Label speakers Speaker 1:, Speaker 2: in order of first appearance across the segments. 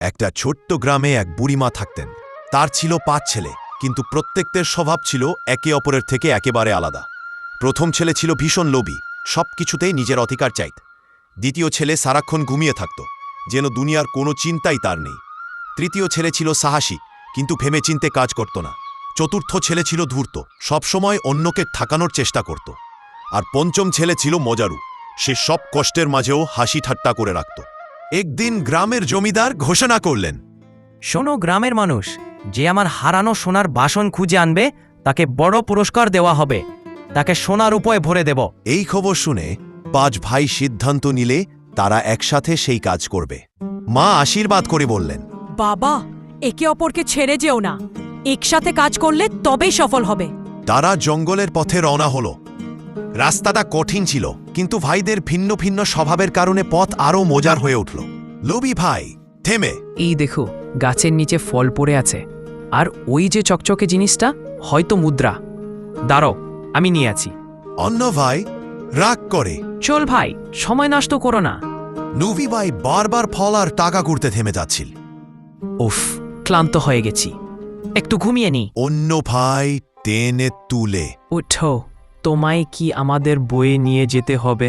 Speaker 1: একটা ছোট্ট গ্রামে এক বুড়িমা থাকতেন। তার ছিল ৫ ছেলে, কিন্তু প্রত্যেকদের স্বভাব ছিল একে অপরের থেকে একেবারে আলাদা। প্রথম ছেলে ছিল ভীষণ লোভী, সব কিছুতেই নিজের অধিকার চাইত। দ্বিতীয় ছেলে সারাক্ষণ ঘুমিয়ে থাকত, যেন দুনিয়ার কোনো চিন্তাই তার নেই। তৃতীয় ছেলে ছিল সাহসী, কিন্তু ভেবেচিন্তে কাজ করত না। চতুর্থ ছেলে ছিল ধূর্ত, সবসময় অন্যকে ঠকানোর চেষ্টা করত। আর পঞ্চম ছেলে ছিল মজারু, সে সব কষ্টের মাঝেও হাসি ঠাট্টা করে রাখত। একদিন গ্রামের জমিদার ঘোষণা করলেন,
Speaker 2: শোনো গ্রামের মানুষ, যে আমার হারানো সোনার বাসন খুঁজে আনবে তাকে বড় পুরস্কার দেওয়া হবে, তাকে সোনার উপরে ভরে দেব।
Speaker 1: এই খবর শুনে ৫ ভাই সিদ্ধান্ত নিলে তারা একসাথে সেই কাজ করবে। মা আশীর্বাদ করে বললেন,
Speaker 3: বাবা, একে অপরকে ছেড়ে যেও না, একসাথে কাজ করলে তবেই সফল হবে।
Speaker 1: তারা জঙ্গলের পথে রওনা হলো। রাস্তাটা কঠিন ছিল, কিন্তু ভাইদের ভিন্ন ভিন্ন স্বভাবের কারণে পথ আরও মজার হয়ে উঠল। লোভী ভাই থেমে,
Speaker 4: এই দেখো, গাছের নিচে ফল পড়ে আছে, আর ওই যে চকচকে জিনিসটা হয়তো মুদ্রা। দাঁড়াও, আমি নিয়ে আছি।
Speaker 1: অন্য ভাই রাগ করে।
Speaker 4: চল ভাই, সময় নষ্ট করো না।
Speaker 1: লোভী ভাই বারবার ফল আর টাকা করতে থেমে যাচ্ছিল।
Speaker 4: উফ, ক্লান্ত হয়ে গেছি, একটু ঘুমিয়ে নি।
Speaker 1: অন্য ভাই টেনে তুলে,
Speaker 4: উঠো, তোমায় কি আমাদের বয়ে নিয়ে যেতে হবে?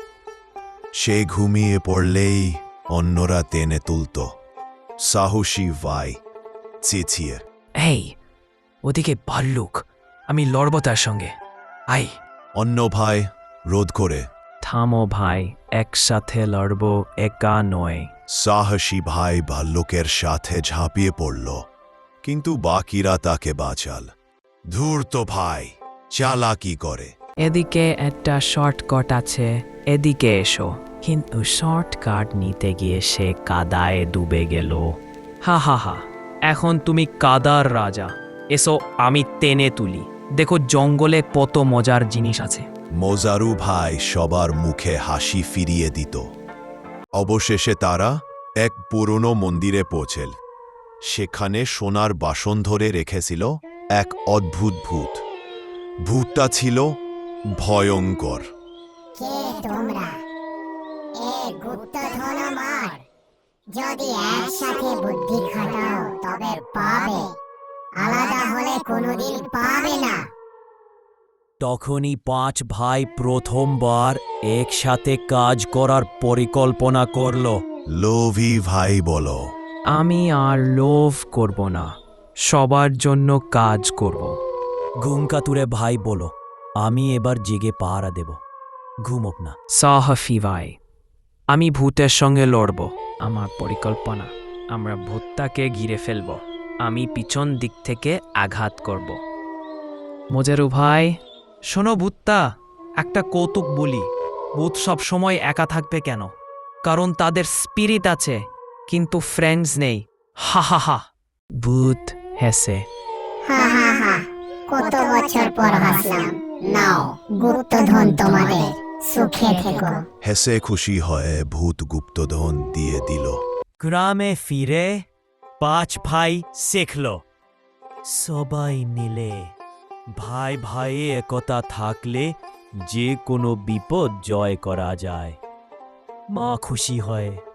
Speaker 1: সে ঘুমিয়ে পড়লেই অন্যরা টেনে তুলত। সাহসী ভাই চেঁচিয়ে,
Speaker 4: এই, ওদিকে ভাল্লুক, আমি লড়ব তার সঙ্গে, আই।
Speaker 1: অন্য ভাই রোধ করে,
Speaker 4: থামো ভাই, একসাথে লড়ব, একা নয়।
Speaker 1: সাহসী ভাই ভাল্লুকের সাথে ঝাঁপিয়ে পড়ল, কিন্তু বাকিরা তাকে বাঁচাল। ধূর্ত ভাই চালাকি করে,
Speaker 4: এদিকে একটা শর্টকাট আছে, এদিকে এসো। কিন্তু শর্টকাট নিতে গিয়ে সে কাদায় ডুবে গেল। হা হা হা, এখন তুমি কাদার রাজা, এসো আমি টেনে তুলি। দেখো জঙ্গলে কত মজার জিনিস আছে।
Speaker 1: মজারু ভাই সবার মুখে হাসি ফিরিয়ে দিত। অবশেষে তারা এক পুরনো মন্দিরে পৌঁছেল। সেখানে সোনার বাসন ধরে রেখেছিল এক অদ্ভুত ভূত। ভূতটা ছিল ভয়ঙ্কর।
Speaker 5: কে তোমরা? এ গুপ্তধন আমার। যদি একসাথে বুদ্ধি খাটাও তবে পাবে, আলাদা হলে কোনোদিন পাবে না।
Speaker 2: তখনই ৫ ভাই প্রথমবার একসাথে কাজ করার পরিকল্পনা করল।
Speaker 1: লোভী ভাই বলো,
Speaker 4: আমি আর লোভ করব না, সবার জন্য কাজ করব।
Speaker 2: ঘুমকাতুরে ভাই বলো, আমি এবার জেগে পাহারা দেব, ঘুমোক না।
Speaker 4: সাহসী ভাই, আমি ভূতের সঙ্গে লড়ব। আমার পরিকল্পনা, আমরা ভূতটাকে ঘিরে ফেলব, আমি পিছন দিক থেকে আঘাত করব। মজারু ভাই,
Speaker 2: শোনো ভূতটা, একটা কৌতুক বলি। ভূত সব সময় একা থাকবে কেন? কারণ তাদের স্পিরিট আছে, কিন্তু ফ্রেন্ডস নেই। হা হা হা।
Speaker 4: ভূত হেসে,
Speaker 5: হা হা হা, কত বছর পর হাসলাম। নাও গুপ্তধন তোমাদের, সুখে থেকো।
Speaker 1: হেসে খুশি হয়ে ভূত গুপ্তধন দিয়ে দিল।
Speaker 2: গ্রামে ফিরে ৫ ভাই শিখল, সবাই মিলে ভাই ভাইয়ে একতা থাকলে যে কোনো বিপদ জয় করা যায়। মা খুশি হয়।